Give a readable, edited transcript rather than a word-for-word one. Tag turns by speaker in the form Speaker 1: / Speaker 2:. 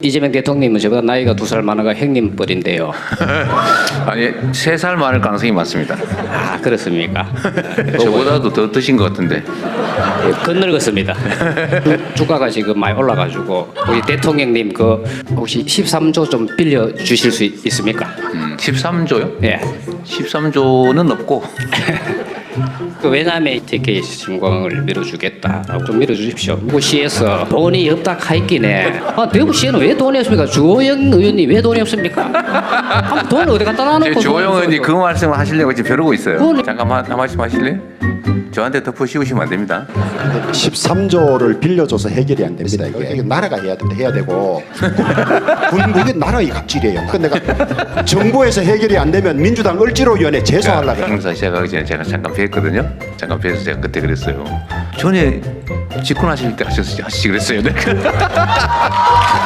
Speaker 1: 이재명 대통령님은 저보다 나이가 2살 많아가 형님 뻘인데요.
Speaker 2: 아니 3살 많을 가능성이 많습니다.
Speaker 1: 아 그렇습니까?
Speaker 2: 저보다도 더 드신 것 같은데.
Speaker 1: 건늙었습니다. 주가가 지금 많이 올라가지고 우리 대통령님 그 혹시 13조 좀 빌려 주실 수 있습니까?
Speaker 2: 13조요?
Speaker 1: 예.
Speaker 2: 13조는 없고
Speaker 1: 그 왜냐하면 TK 신공을 밀어주겠다라고 좀 밀어주십시오. 대구시에서 돈이 없다 하있기네. 아 대구시에는 왜 돈이 없습니까? 주호영 의원님 왜 돈이 없습니까? 아, 돈 어디 갖다 놔놓고
Speaker 2: 조영 의원이 그 말씀을 하시려고 지금 벼르고 있어요.
Speaker 1: 그건-
Speaker 2: 잠깐만 한 말씀 하실래요? 저한테 덮어 씌우시면 안 됩니다.
Speaker 3: 13조를 빌려줘서 해결이 안 됩니다. 이게 나라가 해야 되고 이게 나라의 갑질이에요. 내가 정부에서 해결이 안 되면 민주당 을지로위원회 제소하려고 해요.
Speaker 2: 행사 시작하기 전에 제가 잠깐 뵀거든요. 잠깐 뵈서 제가 그때 그랬어요. 전에 집권하실 때 하시지 그랬어요. 내가.